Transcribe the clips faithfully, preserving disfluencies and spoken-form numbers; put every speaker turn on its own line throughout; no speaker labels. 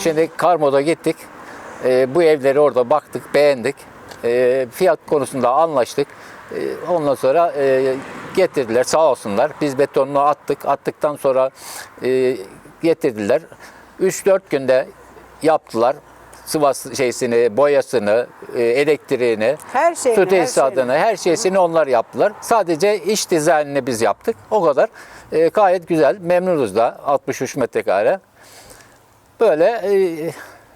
Şimdi Karmod'a gittik. E, bu evleri orada baktık, beğendik. E, fiyat konusunda anlaştık. E, ondan sonra e, getirdiler sağ olsunlar. Biz betonunu attık. Attıktan sonra e, getirdiler. üç dört günde yaptılar. Sıvası şeysini, boyasını, e, elektriğini,
Her şeyini,
su
her
tesisatını, her şeysini onlar yaptılar. Sadece iç dizaynını biz yaptık. O kadar. E, gayet güzel. Memnunuz da. altmış üç metrekare. Böyle e,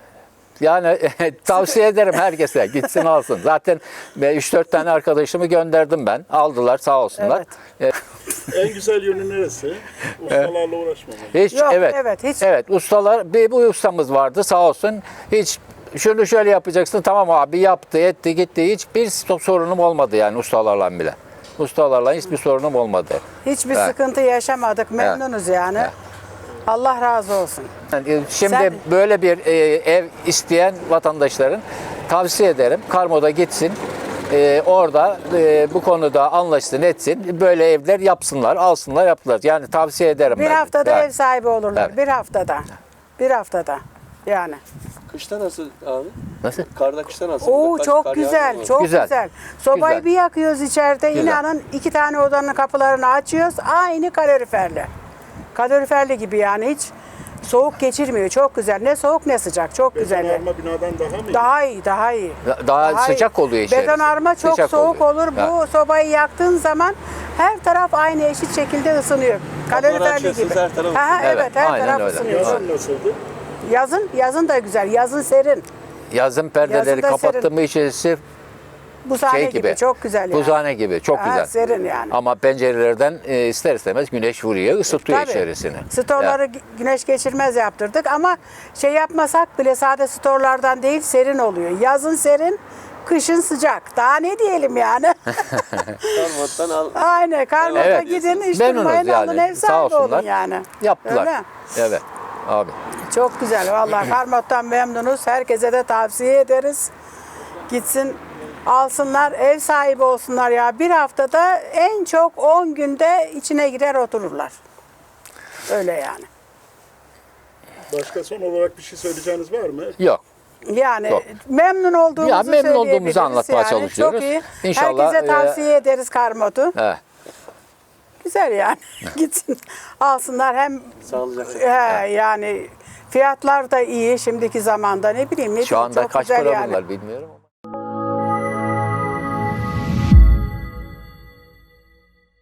yani tavsiye ederim herkese. Gitsin alsın. Zaten üç dört tane arkadaşımı gönderdim ben. Aldılar sağ olsunlar.
Evet.
E,
En güzel yönü neresi? Ustalarla uğraşmamak.
Hiç
Yok,
evet.
evet, hiç.
Evet, ustalar bir bu ustamız vardı sağ olsun. Hiç şunu şöyle yapacaksın. Tamam abi yaptı, etti, gitti. Hiçbir sorunum olmadı yani ustalarla bile. Ustalarla hiçbir sorunum olmadı.
Hiçbir
Evet.
sıkıntı yaşamadık. Memnunuz yani.
Evet.
Allah razı olsun.
Yani şimdi
Sen-
böyle bir e, ev isteyen vatandaşların tavsiye ederim. Karmod'a gitsin. E, orada e, bu konuda anlaşsın, etsin. Böyle evler yapsınlar, alsınlar, yaptılar. Yani tavsiye ederim.
Bir
ben.
haftada
Yani.
ev sahibi olurlar.
Evet.
Bir haftada. Bir haftada. Yani.
Kışta nasıl abi?
Nasıl?
Karda kışta nasıl?
Oo
Kaç-
çok
kar
güzel,
yağıyor mu?
çok
Güzel.
güzel. Sobayı
Güzel.
bir yakıyoruz içeride.
Güzel.
İnanın iki tane odanın kapılarını açıyoruz. Aynı kaloriferli. Kaloriferli gibi yani hiç soğuk geçirmiyor. Çok güzel. Ne soğuk ne sıcak. Çok güzel.
Betonarme binadan daha mı iyi?
Daha iyi, daha iyi.
Daha sıcak
iyi.
oluyor içerisi.
Betonarme çok
Sıcak
soğuk
oluyor.
olur. Bu sobayı yaktığın zaman her taraf aynı eşit şekilde ısınıyor. Kaloriferli
açıyorsunuz,
gibi.
her taraf
Ha,
ısınıyor.
evet,
Evet,
her
aynen
taraf
öyle.
ısınıyor.
Yazın nasıldı?
Yazın, yazın da güzel. Yazın serin.
Yazın perdeleri
Yazın da
kapattım
serin.
mı içerisi
Buzhane
şey
gibi.
gibi.
Çok güzel yani.
Buzhane gibi. Çok
Ha,
güzel.
serin yani.
Ama pencerelerden e, ister istemez güneş vuruyor, ısıtıyor
Tabii.
içerisini.
Storları
Yani.
gü- güneş geçirmez yaptırdık ama şey yapmasak bile sade storlardan değil serin oluyor. Yazın serin, kışın sıcak. Daha ne diyelim yani?
Karmot'tan al.
Aynen. Karnota
Evet.
gidin, iş
Memnunuz
durmayın,
yani.
alın ev
Sağ
sahibi
olsunlar.
olun yani.
Yaptılar.
Öyle.
Evet. Abi.
Çok güzel. Vallahi Karmot'tan memnunuz. Herkese de tavsiye ederiz. Gitsin alsınlar, ev sahibi olsunlar ya. Bir haftada en çok on günde içine girer otururlar. Öyle yani.
Başka son olarak bir şey söyleyeceğiniz var mı?
Yok.
Yani
Yok.
memnun olduğumuzu
Ya memnun olduğumuzu
söyleyebiliriz
anlatmaya
yani.
çalışıyoruz.
Çok iyi.
İnşallah,
Herkese
e,
tavsiye ederiz Karmot'u.
Evet.
Güzel yani. Gitsin alsınlar hem
Sağlıcakla.
he, yani fiyatlar da iyi şimdiki zamanda ne bileyim ne
Şu
bileyim,
anda
çok
kaç
güzel
para
yani.
bunlar bilmiyorum.